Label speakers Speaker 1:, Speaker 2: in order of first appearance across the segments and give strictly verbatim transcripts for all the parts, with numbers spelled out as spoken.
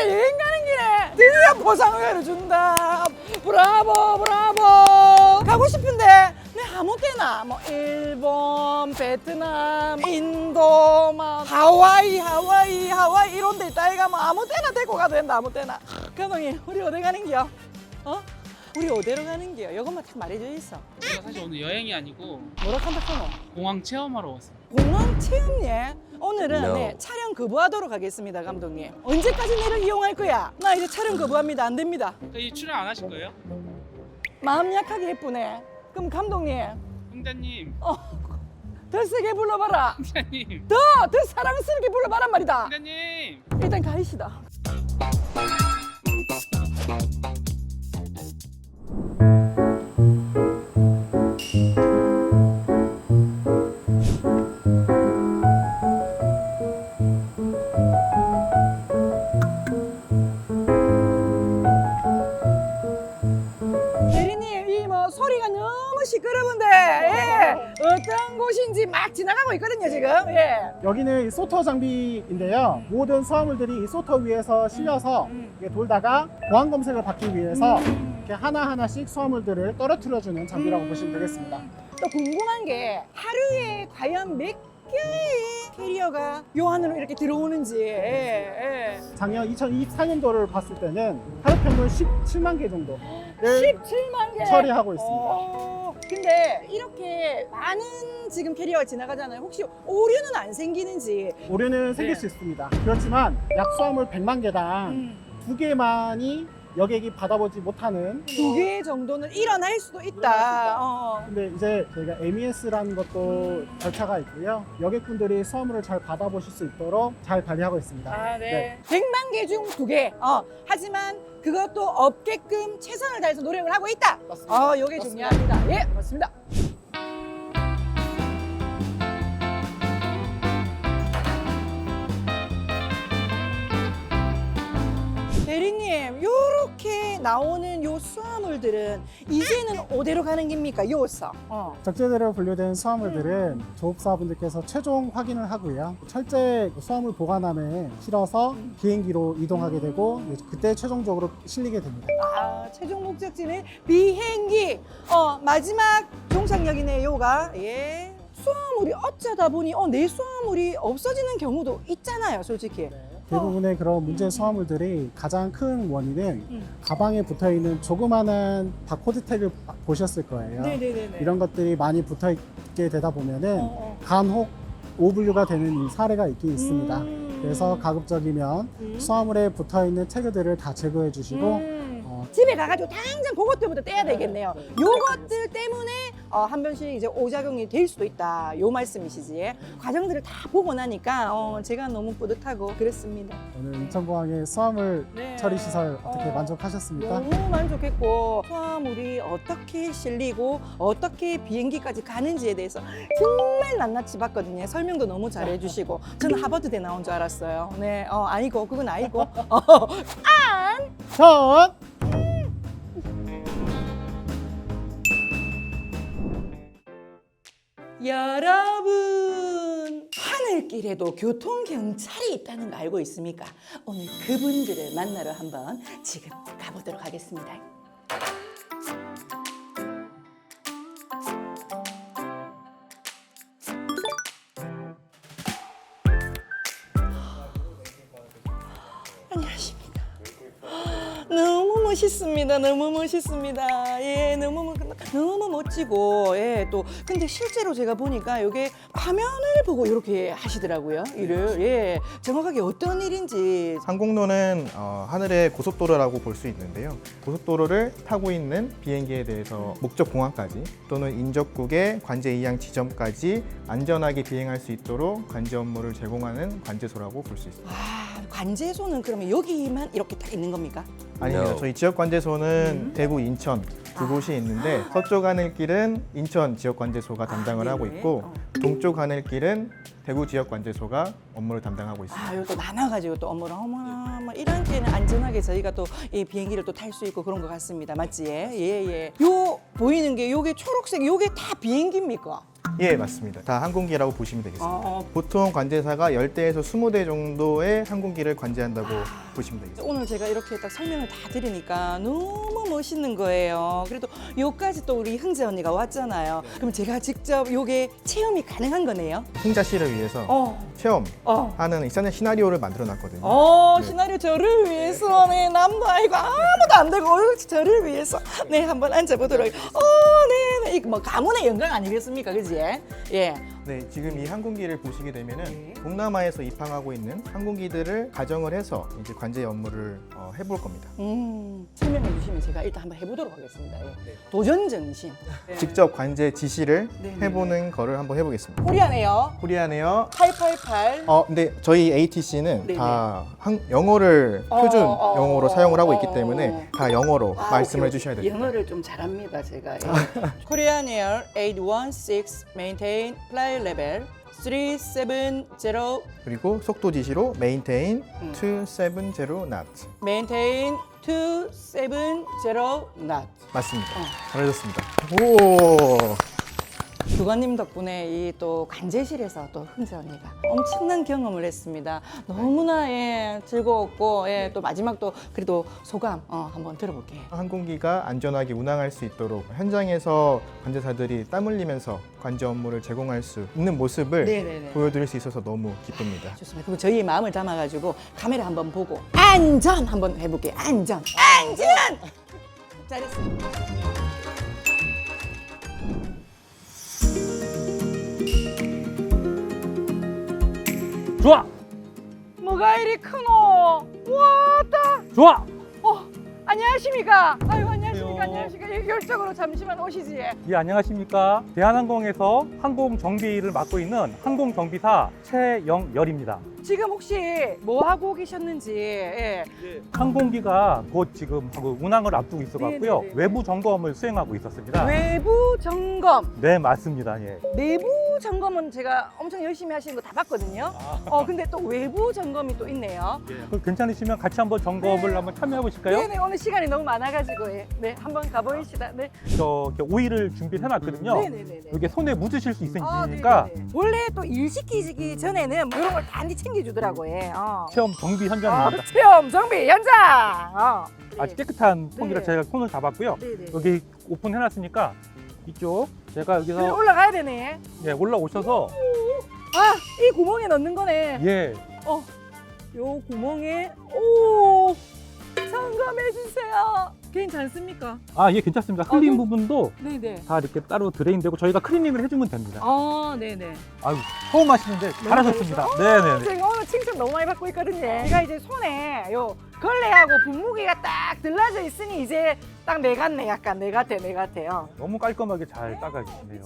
Speaker 1: 우리가 여행 가는 길에 드디어 보상회를 준다. 브라보 브라보. 가고 싶은데 내 아무 때나 뭐 일본, 베트남, 인도, 막 하와이, 하와이, 하와이 이런 데 있다. 이가 뭐 아무 때나 데리고 가도 된다. 아무 때나. 감독님, 우리 어디 가는 기요? 어? 우리 어디로 가는 기요? 이것만 딱 말해줘 있어.
Speaker 2: 제가 사실 오늘 여행이 아니고
Speaker 1: 뭐라 한다 카노?
Speaker 2: 공항 체험하러 왔어요.
Speaker 1: 공항 체험예? 오늘은
Speaker 3: No.
Speaker 1: 네, 촬영 거부하도록 하겠습니다, 감독님. 언제까지 내를 이용할 거야? 나 이제 촬영 거부합니다. 안 됩니다.
Speaker 2: 그러니까 이 출연 안 하실 거예요?
Speaker 1: 마음 약하게 예쁘네. 그럼 감독님,
Speaker 2: 홍자님,
Speaker 1: 어, 더 세게 불러봐라.
Speaker 2: 홍자님,
Speaker 1: 더, 더 사랑스럽게 불러봐란 말이다.
Speaker 2: 홍자님.
Speaker 1: 일단 가이시다. 대리님, 이 뭐 소리가 너무 시끄러운데 예. 어떤 곳인지 막 지나가고 있거든요 지금. 예.
Speaker 4: 여기는 이 소터 장비인데요. 모든 수화물들이 이 소터 위에서 실려서 이게 돌다가 보안 검색을 받기 위해서 이렇게 하나하나씩 수화물들을 떨어뜨려주는 장비라고 보시면 되겠습니다.
Speaker 1: 또 궁금한 게 하루에 과연 몇 개의 캐리어가 요 안으로 이렇게 들어오는지. 예, 예.
Speaker 4: 작년 이천이십사 년도를 봤을 때는 하루 평균 십칠만 개 정도를
Speaker 1: 십칠만 개
Speaker 4: 처리하고 있습니다.
Speaker 1: 어, 근데 이렇게 많은 지금 캐리어가 지나가잖아요. 혹시 오류는 안 생기는지.
Speaker 4: 오류는 생길
Speaker 1: 네.
Speaker 4: 수 있습니다. 그렇지만 약 수화물 백만 개당
Speaker 1: 음.
Speaker 4: 두 개만이 여객이 받아보지 못하는
Speaker 1: 두 개 정도는 일어날 수도 있다. 어.
Speaker 4: 근데 이제 저희가 엠이에스라는 것도 절차가 있고요. 여객분들이 수화물을 잘 받아보실 수 있도록 잘 관리하고 있습니다.
Speaker 1: 아, 네. 백만 개 중 두 개. 어. 하지만 그것도 없게끔 최선을 다해서 노력을 하고 있다.
Speaker 4: 맞습니다.
Speaker 1: 어, 요게
Speaker 4: 맞습니다.
Speaker 1: 중요합니다. 예, 맞습니다. 대리님, 요렇게 나오는 요 수화물들은 이제는 어디로 가는 겁니까? 요서. 어.
Speaker 4: 적재대로 분류된 수화물들은 조업사분들께서 최종 확인을 하고요. 철제 수화물 보관함에 실어서 비행기로 이동하게 되고 그때 최종적으로 실리게 됩니다.
Speaker 1: 아, 최종 목적지는 비행기. 어, 마지막 종착역이네, 요가. 예. 수화물이 어쩌다 보니 어, 내 수화물이 없어지는 경우도 있잖아요, 솔직히.
Speaker 4: 대부분의 그런 문제 수화물들이 가장 큰 원인은
Speaker 1: 음.
Speaker 4: 가방에 붙어있는 조그마한 바코드 태그를 보셨을 거예요.
Speaker 1: 네네네네.
Speaker 4: 이런 것들이 많이 붙어있게 되다 보면은
Speaker 1: 어, 어.
Speaker 4: 간혹 오분류가 되는 사례가 있긴 있습니다.
Speaker 1: 음.
Speaker 4: 그래서 가급적이면
Speaker 1: 음.
Speaker 4: 수화물에 붙어있는 태그들을 다 제거해 주시고
Speaker 1: 음.
Speaker 4: 어,
Speaker 1: 집에 가가지고 당장 그것들부터 떼야 되겠네요. 요것들 때문에 어, 한 번씩 이제 오작용이 될 수도 있다. 요 말씀이시지. 과정들을 다 보고 나니까 어, 제가 너무 뿌듯하고 그랬습니다.
Speaker 4: 오늘 인천공항의 수화물
Speaker 1: 네.
Speaker 4: 처리 시설 어떻게
Speaker 1: 어.
Speaker 4: 만족하셨습니까?
Speaker 1: 너무 만족했고 수화물이 어떻게 실리고 어떻게 비행기까지 가는지에 대해서 정말 낱낱이 봤거든요. 설명도 너무 잘해주시고 저는 하버드대 나온 줄 알았어요. 네, 어, 아니고 그건 아니고 어, 안
Speaker 4: 전
Speaker 1: 여러분 하늘길에도 교통경찰이 있다는 거 알고 있습니까? 오늘 그분들을 만나러 한번 지금 가보도록 하겠습니다. 안녕하십니까. 너무 멋있습니다. 너무 멋있습니다. 예, 너무 멋- 너무 멋지고 예, 또 근데 실제로 제가 보니까 이게 화면을 보고 이렇게 하시더라고요. 일을 예, 정확하게 어떤 일인지.
Speaker 3: 항공로는 어, 하늘의 고속도로라고 볼 수 있는데요. 고속도로를 타고 있는 비행기에 대해서 목적 공항까지 또는 인접국의 관제 이양 지점까지 안전하게 비행할 수 있도록 관제 업무를 제공하는 관제소라고 볼 수 있습니다.
Speaker 1: 아, 관제소는 그러면 여기만 이렇게 딱 있는 겁니까?
Speaker 3: 아닙니다.
Speaker 4: No.
Speaker 3: 저희 지역 관제소는
Speaker 1: 음.
Speaker 3: 대구, 인천 두 곳이 있는데 서쪽 하늘길은 인천 지역 관제소가 담당을
Speaker 1: 아,
Speaker 3: 하고
Speaker 1: 네네.
Speaker 3: 있고
Speaker 1: 어.
Speaker 3: 동쪽 하늘길은 대구 지역 관제소가 업무를 담당하고 있습니다.
Speaker 1: 아, 이거 또 나눠가지고 또 업무를 어머나 뭐 이런 때는 안전하게 저희가 또 이 비행기를 또 탈 수 있고 그런 것 같습니다. 맞지? 예, 예. 요 보이는 게 요게 초록색 요게 다 비행기입니까?
Speaker 3: 예, 맞습니다. 다 항공기라고 보시면 되겠습니다.
Speaker 1: 아,
Speaker 3: 보통 관제사가 십 대에서 이십 대 정도의 항공기를 관제한다고 보시면 되겠습니다.
Speaker 1: 오늘 제가 이렇게 딱 설명을 다 드리니까 너무 멋있는 거예요. 그래도 요까지 또 우리 흥재 언니가 왔잖아요. 그럼 제가 직접 요게 체험이 가능한 거네요?
Speaker 3: 풍자 씨를 위해서
Speaker 1: 어,
Speaker 3: 체험하는
Speaker 1: 어.
Speaker 3: 이사는 시나리오를 만들어 놨거든요.
Speaker 1: 어,
Speaker 3: 네.
Speaker 1: 시나리오 저를 위해서, 네, 남도 아니고 아무도 안 되고, 저를 위해서, 네, 한번 앉아보도록. 어, 네, 네, 이거 뭐 가문의 영광 아니겠습니까, 그지? 예.
Speaker 3: 네, 지금 이 항공기를 보시게 되면은
Speaker 1: 네.
Speaker 3: 동남아에서 입항하고 있는 항공기들을 가정을 해서 이제 관제 업무를 어, 해볼 겁니다.
Speaker 1: 음, 설명해 주시면 제가 일단 한번 해보도록 하겠습니다. 예. 도전 정신. 예.
Speaker 3: 직접 관제 지시를
Speaker 1: 네, 네,
Speaker 3: 해보는 거를 한번 해보겠습니다.
Speaker 1: 코리아네요.
Speaker 3: 코리아네요.
Speaker 1: 팔팔팔.
Speaker 3: 어, 근데 저희 에이티씨는
Speaker 1: 네,
Speaker 3: 다 한, 영어를
Speaker 1: 어,
Speaker 3: 표준
Speaker 1: 어,
Speaker 3: 영어로
Speaker 1: 어,
Speaker 3: 사용을 하고
Speaker 1: 어,
Speaker 3: 있기 때문에
Speaker 1: 어.
Speaker 3: 다 영어로
Speaker 1: 아,
Speaker 3: 말씀을
Speaker 1: 오케이,
Speaker 3: 해주셔야
Speaker 1: 오케이.
Speaker 3: 됩니다.
Speaker 1: 영어를 좀 잘합니다, 제가. 코리안 에어 팔백십육 maintain flight level 삼 칠공
Speaker 3: 그리고 속도 지시로 maintain
Speaker 1: 음.
Speaker 3: 이백칠십 knot.
Speaker 1: maintain 이백칠십 knot.
Speaker 3: 맞습니다.
Speaker 1: 어.
Speaker 3: 잘하셨습니다. 오.
Speaker 1: 주관님 덕분에 이 또 관제실에서 또 흥재 언니가 엄청난 경험을 했습니다. 너무나 예, 즐거웠고 예, 또 마지막 또 그래도 소감 어, 한번 들어볼게요.
Speaker 3: 항공기가 안전하게 운항할 수 있도록 현장에서 관제사들이 땀 흘리면서 관제 업무를 제공할 수 있는 모습을
Speaker 1: 네네네.
Speaker 3: 보여드릴 수 있어서 너무 기쁩니다.
Speaker 1: 좋습니다. 그럼 저희의 마음을 담아가지고 카메라 한번 보고 안전 한번 해볼게요. 안전, 안전. 잘했습니다.
Speaker 2: 좋아,
Speaker 1: 뭐가 이리 크노? 왔다.
Speaker 2: 좋아.
Speaker 1: 어, 안녕하십니까? 아유, 안녕하십니까?
Speaker 2: 안녕하세요.
Speaker 1: 안녕하십니까? 이결적으로 잠시만 오시지.
Speaker 5: 예, 안녕하십니까. 대한항공에서 항공 정비를 맡고 있는 항공정비사 최영열입니다.
Speaker 1: 지금 혹시 뭐 하고 계셨는지. 예.
Speaker 5: 항공기가 곧 지금 그 운항을 앞두고 있어갖고요.
Speaker 1: 네네네.
Speaker 5: 외부 점검을 수행하고 있었습니다.
Speaker 1: 외부 점검.
Speaker 5: 네, 맞습니다. 예.
Speaker 1: 내부 점검은 제가 엄청 열심히 하시는 거 다 봤거든요. 어, 근데 또 외부 점검이 또 있네요.
Speaker 5: 그 괜찮으시면 같이 한번 점검을
Speaker 1: 네.
Speaker 5: 한번 참여해 보실까요?
Speaker 1: 네네, 오늘 시간이 너무 많아가지고. 예. 네, 한번 가보시다. 네.
Speaker 5: 저 이렇게 오일을 준비해 놨거든요.
Speaker 1: 네네네네.
Speaker 5: 이게 손에 묻으실 수
Speaker 1: 아,
Speaker 5: 있으니까
Speaker 1: 네네네. 원래 또 일 시키기 전에는 뭐 이런 걸 단디 챙겨주더라고요. 어.
Speaker 5: 체험 정비
Speaker 1: 아,
Speaker 5: 현장입니다.
Speaker 1: 체험 정비 현장. 어.
Speaker 5: 아주 깨끗한 통기라
Speaker 1: 네.
Speaker 5: 제가 손을 잡았고요.
Speaker 1: 네네.
Speaker 5: 여기 오픈해놨으니까 이쪽 제가
Speaker 1: 그래,
Speaker 5: 여기서
Speaker 1: 올라가야 되네.
Speaker 5: 예, 올라오셔서
Speaker 1: 아, 이 구멍에 넣는 거네.
Speaker 5: 예,
Speaker 1: 어, 요 구멍에 오 점검해 주세요. 괜찮습니까?
Speaker 5: 아, 예, 괜찮습니다. 흘린
Speaker 1: 아, 그-
Speaker 5: 부분도
Speaker 1: 네네.
Speaker 5: 다 이렇게 따로 드레인되고 저희가 클리닝을 해주면 됩니다.
Speaker 1: 아, 네네.
Speaker 5: 아유, 처음 하시는데 잘하셨습니다. 네네네.
Speaker 1: 제가 오늘 칭찬 너무 많이 받고 있거든요. 제가 이제 손에 요 걸레하고 분무기가 딱 들라져 있으니 이제 딱 내 같네. 약간 내 같아, 내 같아요.
Speaker 5: 너무 깔끔하게 잘 닦아주시네요.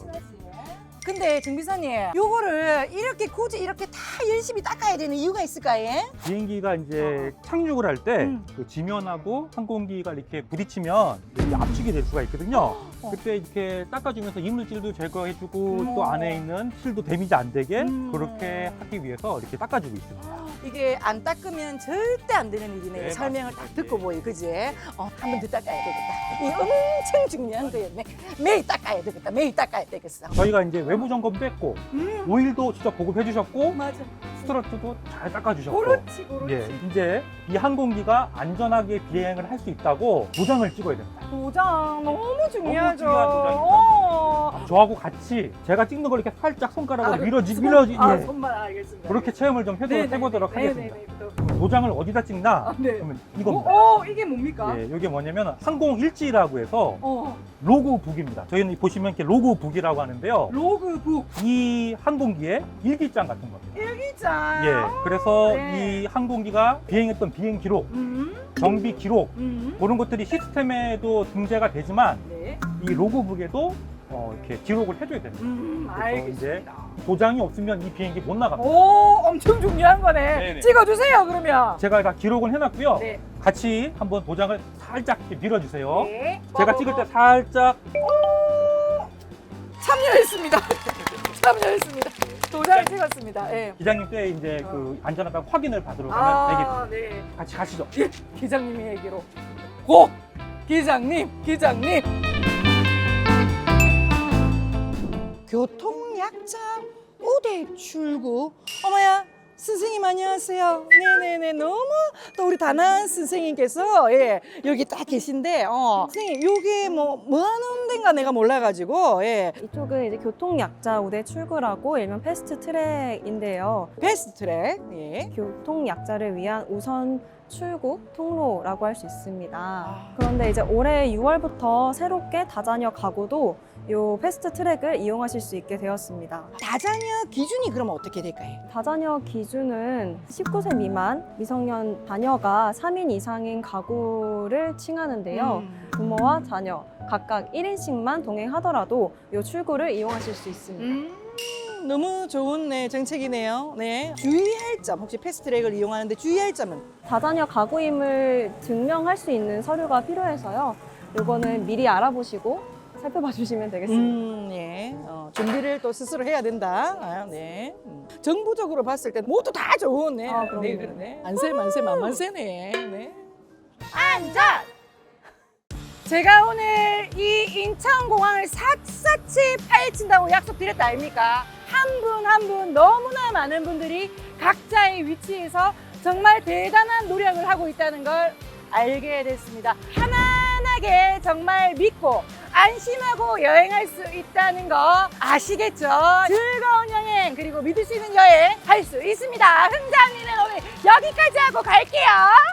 Speaker 1: 근데 정비사님, 요거를 이렇게 굳이 이렇게 다 열심히 닦아야 되는 이유가 있을까요?
Speaker 5: 비행기가 이제 착륙을 할 때
Speaker 1: 음.
Speaker 5: 그 지면하고 항공기가 이렇게 부딪히면 이렇게 압축이 될 수가 있거든요.
Speaker 1: 어.
Speaker 5: 그때 이렇게 닦아주면서 이물질도 제거해주고
Speaker 1: 음.
Speaker 5: 또 안에 있는 실도 데미지 안 되게
Speaker 1: 음.
Speaker 5: 그렇게 하기 위해서 이렇게 닦아주고 있습니다.
Speaker 1: 이게 안 닦으면 절대 안 되는 일이네요.
Speaker 5: 네,
Speaker 1: 설명을 딱
Speaker 5: 맞습니다.
Speaker 1: 듣고 보이, 그지? 어, 한 번 더 닦아야 되겠다. 이 엄청 중요한 거였네. 매일 닦아야 되겠다. 매일 닦아야 되겠어.
Speaker 5: 저희가 이제 외부 점검도 했고
Speaker 1: 음,
Speaker 5: 오일도 직접 보급해 주셨고
Speaker 1: 맞아.
Speaker 5: 스트러트도 잘 닦아주셨고
Speaker 1: 그렇지, 그렇지.
Speaker 5: 예, 이제 이 항공기가 안전하게 비행을 할 수 있다고 도장을 찍어야 됩니다.
Speaker 1: 도장 너무 중요하죠.
Speaker 5: 중요한 도장이죠.
Speaker 1: 어.
Speaker 5: 저하고 같이 제가 찍는 걸 이렇게 살짝 손가락으로
Speaker 1: 아,
Speaker 5: 밀어지,
Speaker 1: 손-
Speaker 5: 밀어지,
Speaker 1: 아,
Speaker 5: 예.
Speaker 1: 손만 알겠습니다.
Speaker 5: 그렇게 체험을 좀 해도,
Speaker 1: 네네네.
Speaker 5: 해보도록 하겠습니다.
Speaker 1: 네네네. 또.
Speaker 5: 도장을 어디다 찍나?
Speaker 1: 아, 네.
Speaker 5: 그러면 이겁니다.
Speaker 1: 어, 어, 이게 뭡니까?
Speaker 5: 예, 이게 뭐냐면 항공일지라고 해서
Speaker 1: 어,
Speaker 5: 로고북입니다. 저희는 보시면 이렇게 로고북이라고 하는데요.
Speaker 1: 로그북
Speaker 5: 이 항공기의 일기장 같은 겁니다.
Speaker 1: 일기장.
Speaker 5: 예, 그래서
Speaker 1: 네.
Speaker 5: 이 항공기가 비행했던 비행 기록,
Speaker 1: 음,
Speaker 5: 정비 기록
Speaker 1: 음.
Speaker 5: 그런 것들이 시스템에도 등재가 되지만
Speaker 1: 네.
Speaker 5: 이 로고북에도 어, 이렇게 기록을 해줘야 됩니다.
Speaker 1: 음,
Speaker 5: 그래서
Speaker 1: 알겠습니다.
Speaker 5: 도장이 없으면 이 비행기 못 나갑니다.
Speaker 1: 오, 엄청 중요한 거네.
Speaker 5: 네네.
Speaker 1: 찍어주세요, 그러면.
Speaker 5: 제가 다 기록을 해놨고요.
Speaker 1: 네.
Speaker 5: 같이 한번 도장을 살짝 이렇게 밀어주세요.
Speaker 1: 네.
Speaker 5: 제가 찍을 때 살짝
Speaker 1: 참여했습니다. 참여했습니다. 도장 찍었습니다. 예.
Speaker 5: 기장님 때 이제
Speaker 1: 어.
Speaker 5: 그 안전하다고 확인을 받으러 가면
Speaker 1: 아,
Speaker 5: 되겠습니다.
Speaker 1: 네.
Speaker 5: 같이 가시죠.
Speaker 1: 예, 기장님의 얘기로. 고! 기장님, 기장님. 교통약자 우대 출구. 어머야, 선생님 안녕하세요. 네네네, 너무 또 우리 다나은 선생님께서 예, 여기 딱 계신데, 어, 선생님 요게 뭐 뭐 하는 데인가 내가 몰라가지고 예,
Speaker 6: 이쪽은 이제 교통약자 우대 출구라고 일명 패스트 트랙인데요.
Speaker 1: 베스트 트랙. 예.
Speaker 6: 교통약자를 위한 우선 출구 통로라고 할 수 있습니다. 그런데 이제 올해 유월부터 새롭게 다자녀 가구도 요 패스트 트랙을 이용하실 수 있게 되었습니다.
Speaker 1: 다자녀 기준이 그러면 어떻게 될까요?
Speaker 6: 다자녀 기준은 십구 세 미만 미성년 자녀가 삼 인 이상인 가구를 칭하는데요.
Speaker 1: 음.
Speaker 6: 부모와 자녀 각각 일 인씩만 동행하더라도 요 출구를 이용하실 수 있습니다.
Speaker 1: 음, 너무 좋은 네, 정책이네요. 네. 주의할 점, 혹시 패스트트랙을 이용하는데 주의할 점은?
Speaker 6: 다자녀 가구임을 증명할 수 있는 서류가 필요해서요. 요거는 미리 알아보시고 살펴봐 주시면 되겠습니다.
Speaker 1: 음, 예. 어, 준비를 또 스스로 해야 된다. 아, 네. 음. 정부적으로 봤을 때 모두 다 좋은 네.
Speaker 6: 아, 그럼요.
Speaker 1: 네, 그러네. 만세, 만세, 만만세네. 네. 안전! 제가 오늘 이 인천공항을 샅샅이 파헤친다고 약속드렸다 아닙니까? 한 분 한 분 너무나 많은 분들이 각자의 위치에서 정말 대단한 노력을 하고 있다는 걸 알게 됐습니다. 편안하게 정말 믿고 안심하고 여행할 수 있다는 거 아시겠죠? 즐거운 여행 그리고 믿을 수 있는 여행 할 수 있습니다. 흥장이는 오늘 여기까지 하고 갈게요.